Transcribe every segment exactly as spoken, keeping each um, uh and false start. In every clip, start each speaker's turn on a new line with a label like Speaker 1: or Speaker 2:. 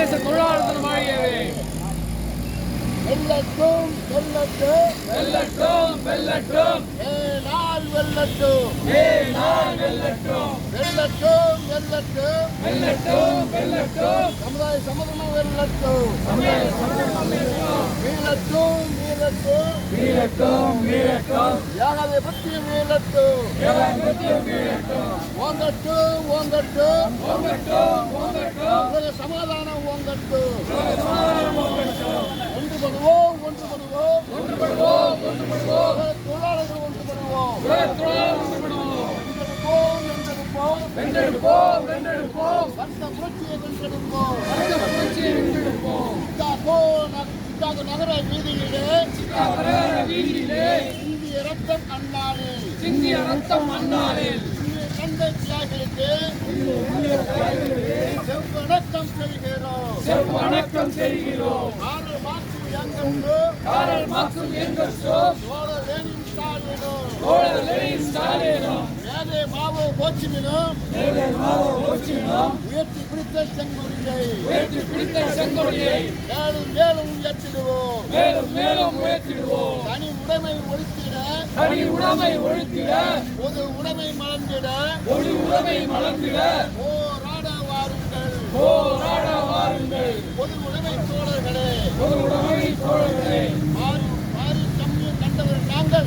Speaker 1: சர்வதேச தொழிலாளர் தினம் வாழியவே.
Speaker 2: வெல்லட்டும் வெல்லட்டும்
Speaker 1: வெல்லட்டும் வெல்லட்டும்
Speaker 2: ஏனால் வெல்லட்டும்
Speaker 1: ஏனால் வெல்லட்டும்
Speaker 2: வெல்லட்டும் வெல்லட்டும்
Speaker 1: வெல்லட்டும் வெல்லட்டும்
Speaker 2: சமுதாய சமதனம் வெல்லட்டும்
Speaker 1: சமய சமூகம் வெல்லட்டும்
Speaker 2: வீழட்டும் வீழட்டும்
Speaker 1: வீழட்டும் வீழட்டும்
Speaker 2: யாகதை பற்றி வீழட்டும்
Speaker 1: ஏகாதிபத்தியம் வீழட்டும்
Speaker 2: ஓங்கட்டும் ஓங்கட்டும்
Speaker 1: ஓங்கட்டும் ஓங்கட்டும்
Speaker 2: உலக சமாதானம் ஓங்கட்டும்
Speaker 1: சமாதானம் ஓங்கட்டும்
Speaker 2: ஒன்றுபடுவோம் ஒன்றுபடுவோம்
Speaker 1: ஒன்றுபடுவோம் ஒன்றுபடுவோம்
Speaker 2: உலக தொழிலாளர்கள் ஒன்றுபடுவோம்
Speaker 1: உலகத் தொழிலாளர் ஒன்றுபடுவோம்
Speaker 2: வென்றெடுப்போம் வென்றெடுப்போம்
Speaker 1: வென்றெடுப்போம் வென்றெடுப்போம்
Speaker 2: வர்க்க புரட்சியை வென்றெடுப்போம்
Speaker 1: வர்க்க புரட்சியை வென்றெடுப்போம்
Speaker 2: சிக்காகோ நக- சிக்காகோ நகர வீதியிலே
Speaker 1: சிக்காகோ வீதியிலே
Speaker 2: இந்திய ரத்தம் அண்ணாளில்
Speaker 1: சிந்திய ரத்தம் அண்ணாளில்
Speaker 2: இந்திய தந்தை தியாகிகளுக்கு செவ்வணக்கம் செய்கிறோம்
Speaker 1: செவ்வணக்கம் செய்கிறோம்.
Speaker 2: ஆறு மாற்று எங்களுக்கு
Speaker 1: காரல் மார்க்சும் எங்கெல்ஸோ
Speaker 2: சோழ லெனின் ஸ்டாலினும்
Speaker 1: தோழர் லெனின் ஸ்டாலினும்
Speaker 2: மேலே மாவோ கோச்சிமினும்
Speaker 1: மேலே மாவோ ஹோச்சிமினும்
Speaker 2: உயர்த்தி பிடித்த செங்கொடியை
Speaker 1: உயர்த்தி பிடித்த செங்கொடியை
Speaker 2: மேலும் மேலும் உயர்த்திடுவோம்
Speaker 1: மேலும் மேலும் உயர்த்திடுவோம்.
Speaker 2: தனி உடைமை ஒழித்திட
Speaker 1: தனி உடைமை ஒழித்திட
Speaker 2: பொது உடைமை மலர்ந்திட
Speaker 1: ஒரு உடைமை மலர்ந்திட
Speaker 2: போராட வாருங்கள்
Speaker 1: போராட வாருங்கள்.
Speaker 2: பொது உடைமை தோழர்களே
Speaker 1: ஒரு உடைமை தோழர்களே
Speaker 2: மாறி மாறி கம்மியை கண்டவர் நாங்கள்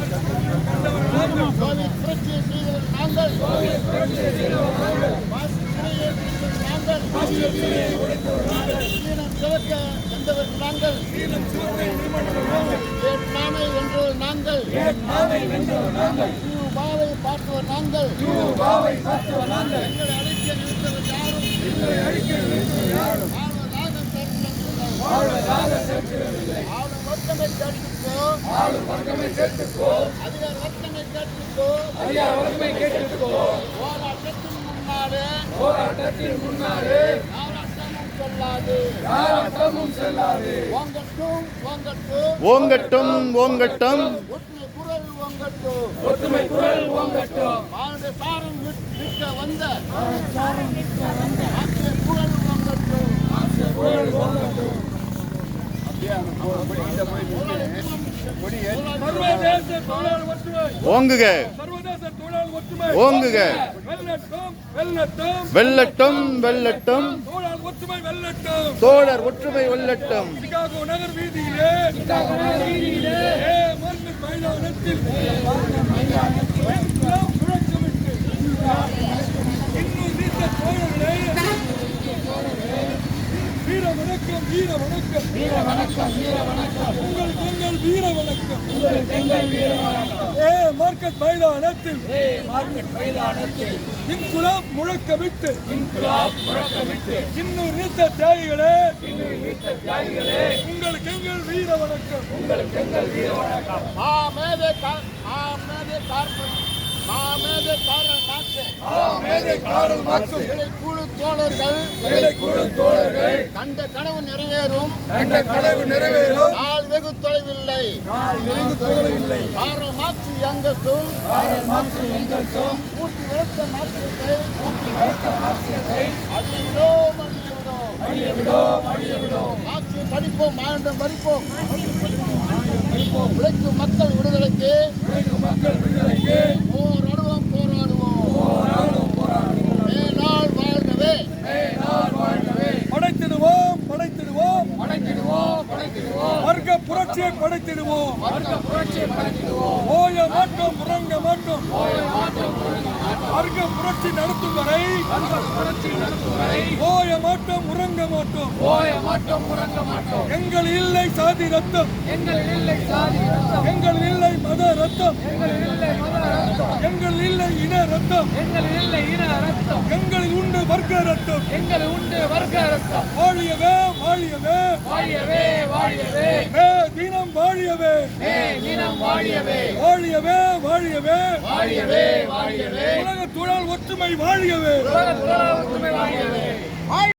Speaker 2: கோவில் புரட்சியை செய்தவர் நாங்கள் வாசி சிறையை பிடித்தவர் நாங்கள் சீனம் சிவக்க வந்தவர் நாங்கள் வியட்நாமை வென்றவர் நாங்கள்
Speaker 1: நாமை வென்றவர் நாங்கள்
Speaker 2: கியூபாவை பார்த்தவர் நாங்கள்
Speaker 1: கியூபாவை பார்த்தவர் நாங்கள்
Speaker 2: எங்களை அழைக்க நிறுத்தவர் யாரும்
Speaker 1: எங்களை அழிக்க நினைத்தவர் யாரும்
Speaker 2: வாழ்வதாக தடுக்கவில்லை.
Speaker 1: வாழ்வதாக சேர்க்கிறதில்லை.
Speaker 2: ஆளும் வர்க்கமை கேட்டுக்கோ
Speaker 1: ஆளும் வர்க்கமே சேர்த்துக்கோ
Speaker 2: அதிகார வர்க்கமை கேட்டுக்கோ
Speaker 1: அதிகார வறுமை கேட்டுக்கோ.
Speaker 2: போராட்டத்தின் முன்னாலே
Speaker 1: போராட்டத்தின் முன்னாலே
Speaker 2: போராட்டமும் சொல்லாது
Speaker 1: யாராட்டமும் செல்லாது.
Speaker 2: ஓங்கட்டும் ஓங்கட்டும்
Speaker 3: ஓங்கட்டும் ஓங்கட்டும்
Speaker 2: ஒற்றை குரல் ஓங்கட்டும்
Speaker 1: ஒற்றுமை குரல் ஓங்கட்டும்.
Speaker 2: மானுட சாரம் விட்- விற்க வந்த ஆசிய குரல் ஓங்கட்டும்
Speaker 1: குரல் ஓங்கட்டும். சர்வதேச தொழிலாளர் ஒற்றுமை
Speaker 3: ஓங்குக
Speaker 1: சர்வதேச தொழிலாளர் ஒற்றுமை
Speaker 3: ஓங்குக
Speaker 1: வெல்லட்டும் வெல்லட்டும்
Speaker 3: வெல்லட்டும் வெல்லட்டும்
Speaker 1: தொழிலாளர் ஒற்றுமை வெல்லட்டும்.
Speaker 3: தோழர் ஒற்றுமை வெல்லட்டும்
Speaker 1: சிகாகோ நகர் வீதியிலே சிகாகோ நகர் வீதியிலே ஏ மண்ணு மைதானத்தில் எல்லாம் முழக்கமிட்டு இன்னும் நீண்ட தோழர்களே வீர வணக்கம் வீர வணக்கம் வீர வணக்கம் வீர வணக்கம் உங்கள் எங்கள் வீர வணக்கம் உங்கள் எங்கள் வீர வணக்கம். ஏ மார்க்கெட் மைதானத்தில் ஏ மார்க்கெட் மைதானத்தில் இன்குலாப் முழக்கமிட்டு இன்குலாப் முழக்கமிட்டு இன்னும் நீத்த தியாகிகளே இன்னும் நீத்த தியாகிகளே உங்களுக்கு எங்கள் வீர வணக்கம் உங்களுக்கு எங்கள் வீர வணக்கம்.
Speaker 2: மாமேதை கா- மாமேதை கார்பன் மாமேதை காரல் மாற்று
Speaker 1: மேதை காரல் மார்க்சும்
Speaker 2: குழு தோழர்கள்
Speaker 1: வேலைக்குழு தோழர்கள்
Speaker 2: கண்ட கனவு நிறைவேறும்
Speaker 1: கண்ட கனவு நிறைவேறும்
Speaker 2: நாள் வெகு தொலைவில்லை
Speaker 1: வெகு தோழவில்லை.
Speaker 2: காரல் மாற்று எங்கட்டும்
Speaker 1: காரல் மார்க்சும் எங்கெல்ஸும்
Speaker 2: பூர்த்தி விளக்க மாற்றத்தை அழியவிடோம் அழியவிடோம்
Speaker 1: அழிய விடோம் அழிய விடோம்.
Speaker 2: ஆட்சியை படிப்போம் மாண்டம் படிப்போம் உழைக்கும் மக்கள் விடுதலைக்கு
Speaker 1: உழைக்கும் மக்கள் விடுதலைக்கு
Speaker 2: போராடுவோம் போராடுவோம்
Speaker 1: போராடும் போராடுவோம்.
Speaker 2: மேலாள் வாழ்கவே
Speaker 1: மேலால் வாழ்கவே. படைத்திடுவோம் படைத்திடுவோம் படைத்திடுவோம் படைத்திடுவோம். வர்க்க புரட்சியை படைத்திடுவோம் வர்க்க புரட்சியை படைத்திடுவோம். ஓய மாட்டோம் உறங்க மாட்டோம் ஓய மாட்டோம் வர்க்க புரட்சி நடத்தும் வரை வர்க்க புரட்சி நடத்தும் வரை ஓய மாட்டோம் உறங்க மாட்டோம் ஓய மாட்டோம் உறங்க மாட்டோம். எங்கள் இல்லை சாதி ரத்தம் எங்கள் இல்லை சாதி ரத்தம் எங்கள் இல்லை மத ரத்தம் எங்கள் இல்லை மத ரத்தம் எங்கள் இல்லை இன ரத்தம் எங்கள் இல்லை இன ரத்தம் எங்களில் உண்டு வர்க்க ரத்தம் எங்கள் உண்டு வர்க்க ரத்தம். வாழியவே வாழியவே வாழியவே வாழியவே மே தினம் வாழியவே மே தினம் வாழியவே வாழியவே வாழியவே வாழியவே வாழியவே. உலக தொழிலாளர் ஒற்றுமை வாழியவே உலக தொழிலாளர் ஒற்றுமை வாழியவே.